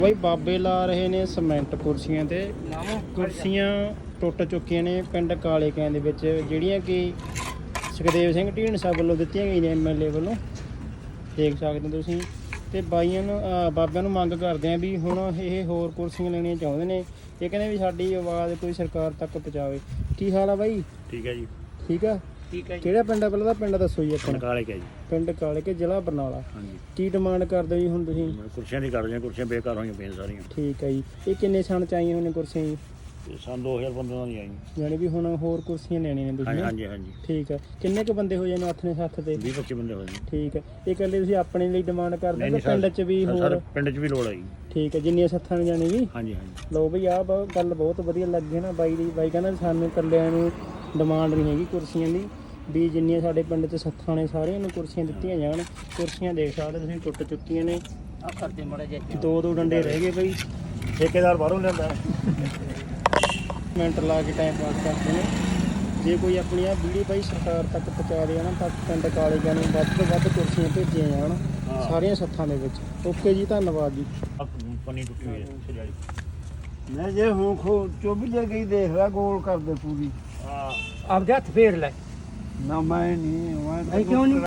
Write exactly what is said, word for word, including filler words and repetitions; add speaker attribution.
Speaker 1: ਬਈ ਬਾਬੇ ਲਾ ਰਹੇ ਨੇ ਸੀਮੈਂਟ ਕੁਰਸੀਆਂ ਤੇ ਕੁਰਸੀਆਂ ਟੁੱਟ ਚੁੱਕੀਆਂ ਨੇ ਪਿੰਡ ਕਾਲੇ ਕਿਆਂ ਦੇ ਵਿੱਚ, ਜਿਹੜੀਆਂ ਕਿ ਸੁਖਦੇਵ ਸਿੰਘ ਢੀਂਡਸਾ ਵੱਲੋਂ ਦਿੱਤੀਆਂ ਗਈਆਂ ਨੇ ਐਮ ਐਲ ਏ ਵੱਲੋਂ, ਦੇਖ ਸਕਦੇ ਹੋ ਤੁਸੀਂ। ਤੇ ਬਾਈਆਂ ਨੂੰ ਬਾਬਿਆਂ ਨੂੰ ਮੰਗ ਕਰਦੇ ਆ ਵੀ ਹੁਣ ਇਹ ਹੋਰ ਕੁਰਸੀਆਂ ਲੈਣੀਆਂ ਚਾਹੁੰਦੇ ਨੇ। ਇਹ ਕਹਿੰਦੇ ਵੀ ਸਾਡੀ ਆਵਾਜ਼ ਕੋਈ ਸਰਕਾਰ ਤੱਕ ਪਹੁੰਚਾਵੇ। ਕੀ ਹਾਲ ਆ ਬਾਈ?
Speaker 2: ਠੀਕ ਹੈ ਜੀ।
Speaker 1: ਠੀਕ ਆ
Speaker 2: ਠੀਕ ਹੈ ਜੀ।
Speaker 1: ਕਿਹੜਾ ਪਿੰਡ ਆ ਪਹਿਲਾਂ ਦਾ? ਪਿੰਡ ਦੱਸੋ ਜੀ ਆਪਣਾ।
Speaker 2: ਕਾਲੇ ਕਿਆ ਜੀ।
Speaker 1: ਪਿੰਡ ਕਾਲੇ ਕੇ, ਜ਼ਿਲ੍ਹਾ ਬਰਨਾਲਾ।
Speaker 2: ਹਾਂਜੀ।
Speaker 1: ਕੀ ਡਿਮਾਂਡ ਕਰਦੇ ਜੀ ਹੁਣ ਤੁਸੀਂ?
Speaker 2: ਕੁਰਸੀਆਂ ਦੀ ਕਰਦੇ ਹਾਂ, ਕੁਰਸੀਆਂ ਬੇਕਾਰ ਹੋਈਆਂ ਪਈਆਂ ਸਾਰੀਆਂ।
Speaker 1: ਠੀਕ ਹੈ ਜੀ। ਇਹ ਕਿੰਨੇ ਸਾਲ ਚ ਆਈਆਂ ਹੋਈਆਂ ਕੁਰਸੀਆਂ ਜੀ?
Speaker 2: ਇਹ ਸੰਨ ਦੋ ਹਜ਼ਾਰ ਪੰਦਰਾਂ ਦੀ ਆਈ।
Speaker 1: ਯਾਨੀ ਵੀ ਹੁਣ ਹੋਰ ਕੁਰਸੀਆਂ ਲੈਣੀਆਂ ਨੇ ਤੁਸੀਂ?
Speaker 2: ਹਾਂਜੀ ਹਾਂਜੀ।
Speaker 1: ਠੀਕ ਹੈ। ਕਿੰਨੇ ਕੁ ਬੰਦੇ ਹੋ ਜਾਣੇ ਹੱਥ ਨੇ ਸੱਥ ਤੇ?
Speaker 2: ਵੀਹ ਪੱਚੀ ਬੰਦੇ ਹੋ ਜਾਣ।
Speaker 1: ਠੀਕ ਹੈ। ਇਹ ਇਕੱਲੇ ਤੁਸੀਂ ਆਪਣੇ ਲਈ ਡਿਮਾਂਡ ਕਰਦੇ ਹੋ ਪਿੰਡ 'ਚ ਵੀ ਹੋਰ?
Speaker 2: ਪਿੰਡ 'ਚ ਵੀ ਲੋੜ ਹੈ ਜੀ।
Speaker 1: ਠੀਕ ਹੈ, ਜਿੰਨੀਆਂ ਸੱਥਾਂ ਨੇ ਜਾਣੀ ਜੀ।
Speaker 2: ਹਾਂਜੀ ਹਾਂਜੀ।
Speaker 1: ਲਓ ਬਈ ਆਹ ਗੱਲ ਬਹੁਤ ਵਧੀਆ ਲੱਗੀ ਨਾ ਬਾਈ ਦੀ। ਬਾਈ ਕਹਿੰਦਾ ਸਾਨੂੰ ਇਕੱਲਿਆਂ ਨੂੰ ਡਿਮਾਂਡ ਨਹੀਂ ਹੈਗੀ ਕੁਰਸੀਆਂ ਦੀ, ਵੀ ਜਿੰਨੀਆਂ ਸਾਡੇ ਪਿੰਡ 'ਚ ਸੱਥਾਂ ਨੇ ਸਾਰਿਆਂ ਨੂੰ ਕੁਰਸੀਆਂ ਦਿੱਤੀਆਂ ਜਾਣ। ਕੁਰਸੀਆਂ ਦੇਖ ਸਕਦੇ ਤੁਸੀਂ ਟੁੱਟ ਚੁੱਕੀਆਂ ਨੇ।
Speaker 2: ਆ ਕਰਦੇ ਮੜਾ ਜੇ
Speaker 1: ਦੋ ਦੋ ਡੰਡੇ ਰਹਿ ਗਏ ਬਈ।
Speaker 2: ਠੇਕੇਦਾਰ ਬਾਹਰੋਂ ਲਿਆਂਦਾ
Speaker 1: ਮਿੰਟ ਲਾ ਕੇ ਟਾਈਮ ਪਾਸ ਕਰਦੇ ਨੇ। ਜੇ ਕੋਈ ਆਪਣੀ ਆ ਵੀਡੀਓ ਬਾਈ ਸਰਕਾਰ ਤੱਕ ਪਹੁੰਚਾ ਦੇ ਨਾ ਤਾਂ ਪਿੰਡ ਕਾਲੇ ਕਿਆਂ ਨੂੰ ਵੱਧ ਤੋਂ ਵੱਧ ਕੁਰਸੀਆਂ ਭੇਜੀਆਂ ਜਾਣ ਸਾਰੀਆਂ ਸੱਥਾਂ ਦੇ ਵਿੱਚ। ਓਕੇ ਜੀ, ਧੰਨਵਾਦ ਜੀ।
Speaker 2: ਪਨੀ ਟੁੱਟੀ ਹੋਈ ਹੈ ਸਜਾਈ।
Speaker 3: ਮੈਂ ਜੇ ਹੁਣ ਖੋ ਚੁੱਭ ਜੇ ਗਈ ਦੇਖ ਲੈ ਗੋਲ ਕਰਦੇ ਪੂਰੀ।
Speaker 2: ਆ
Speaker 3: ਆਪਦੇ ਹੱਥ ਫੇਰ ਲੈ ਨਾ। ਮੈਂ ਨਹੀਂ ਮੈਂ
Speaker 1: ਕਿਉਂ ਨਹੀਂ?